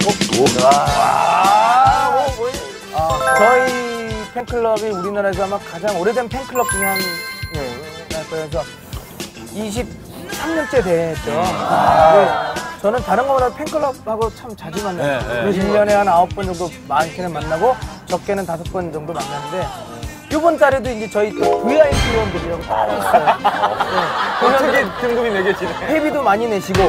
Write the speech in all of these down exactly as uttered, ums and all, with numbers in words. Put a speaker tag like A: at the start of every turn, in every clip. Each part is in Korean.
A: 도. 와. 뭐, 뭐.
B: 아, 저희 팬클럽이 우리나라에서 아마 가장 오래된 팬클럽 중에 한, 네, 그래서 이십삼 년째 됐죠. 아. 네, 저는 다른 거보다 팬클럽하고 참 자주 만나요. 네, 네. 일 년에 한 아홉 번 정도 많게는 만나고 적게는 다섯 번 정도 만나는데 이번 달에도 이제 저희 또 브이아이피 회원들이라고 따로 있어요. 네.
A: 어떻게 등급이 매겨지네.
B: 회비도 많이 내시고.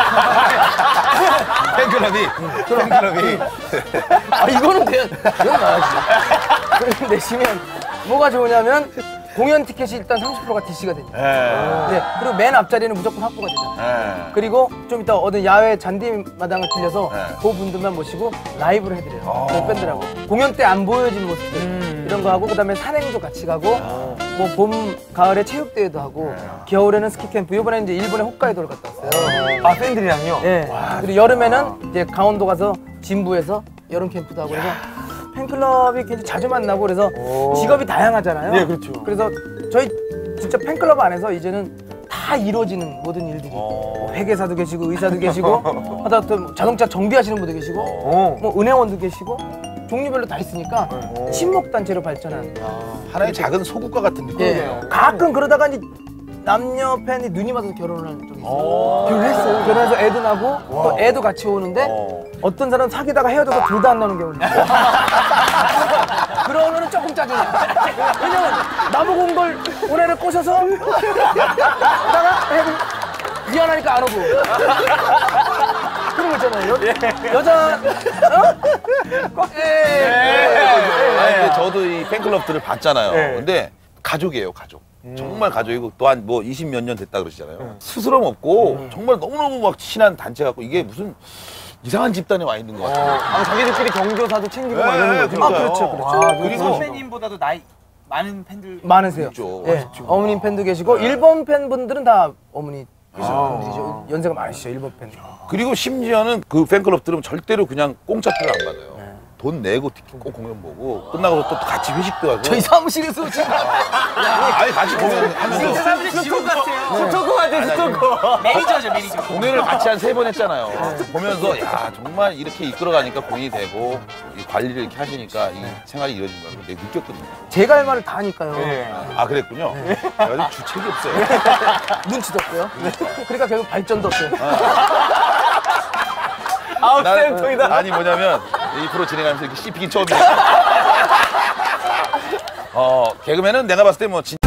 A: 팬클럽이? 팬클럽이?
B: 아, 이거는 그냥, 이건 나야지. 그럼 내시면 뭐가 좋으냐면 공연 티켓이 일단 삼십 퍼센트가 디씨가 됩니다. 네. 그리고 맨 앞자리는 무조건 확보가 되잖아요. 에이. 그리고 좀 이따 어느 야외 잔디마당을 빌려서 에이. 그 분들만 모시고 라이브를 해드려요. 그 밴드라고. 공연 때 안 보여진 모습들 음. 이런 거 하고 그다음에 산행도 같이 가고 뭐 봄, 가을에 체육대회도 하고 에이. 겨울에는 스키캠프. 이번에 이제 일본에 홋카이도를 갔다 왔어요.
A: 아, 팬들이랑요?
B: 네. 와, 그리고 여름에는 이제 강원도 가서 진부에서 여름 캠프도 하고 그래서 팬클럽이 굉장히 자주 만나고 그래서 직업이 다양하잖아요.
A: 네, 그렇죠.
B: 그래서 저희 진짜 팬클럽 안에서 이제는 다 이루어지는 모든 일들이 뭐 회계사도 계시고 의사도 계시고 하다못해 자동차 정비하시는 분도 계시고 뭐 은행원도 계시고 종류별로 다 있으니까 친목단체로 발전한
C: 하나의 작은 소국가 같은 느낌이에요.
B: 예, 가끔 그러다가 이제 남녀 팬이 눈이 맞아서 결혼을 한 적이 있어요. 결혼했어요. 결혼해서 애도 나고 와. 또 애도 같이 오는데 오. 어떤 사람은 사귀다가 헤어져서 둘 다 안 나오는 경우도 있어요. 그러면은 조금 짜증나. 왜냐면 나보고 온 걸 올해를 꼬셔서 하다가 미안하니까 안 오고. 그런 거 있잖아요. 여, 예. 여자 어? 예.
C: 예. 아니 근데 저도 이 팬클럽들을 봤잖아요. 예. 근데 가족이에요, 가족. 음. 정말 가족이고 또한 뭐 이십 몇 년 됐다 그러시잖아요. 음. 스스럼 없고 음. 정말 너무너무 막 친한 단체 같고 이게 무슨 이상한 집단에 와 있는 것 같아요. 어.
A: 아, 자기들끼리 경조사도 챙기고 막 이러는 거죠.
B: 아, 그렇죠, 그렇죠. 와,
D: 그리고 선배님보다도 나이 많은 팬들
B: 많으세요.
C: 있죠.
B: 네. 어머님 팬도 계시고 네. 일본 팬분들은 다 어머니 아. 분들이죠. 연세가 많으시죠, 일본 팬.
C: 그리고 심지어는 그 팬클럽들은 절대로 그냥 공짜표를 안 받아요. 네. 돈 내고 티켓 꼭 공연 보고 끝나고 또 같이 회식도 하고.
B: 저희 사무실에서 지금
C: 아니 같이 공연 하면서
D: 사무실 지옥 같아요.
A: 스토커 같아, 스토커.
D: 매니저죠, 매니저.
C: 공연을 같이 한 세 번 했잖아요. 보면서 야 정말 이렇게 이끌어가니까 공연이 되고 이 관리를 이렇게 하시니까 이 생활이 이루어진 거라고 내가 느꼈거든요.
B: 제가 할 말을 다 하니까요.
C: 네. 아 그랬군요. 네. 내가 좀 주책이 없어요.
B: 눈치도 없고요. 네. 그러니까 결국 발전도 없어요.
A: 아웃센터이다.
C: 아니 뭐냐면 이 프로 진행하면서 이렇게 씹히긴 처음이에요. 어 개그맨은 내가 봤을 때 뭐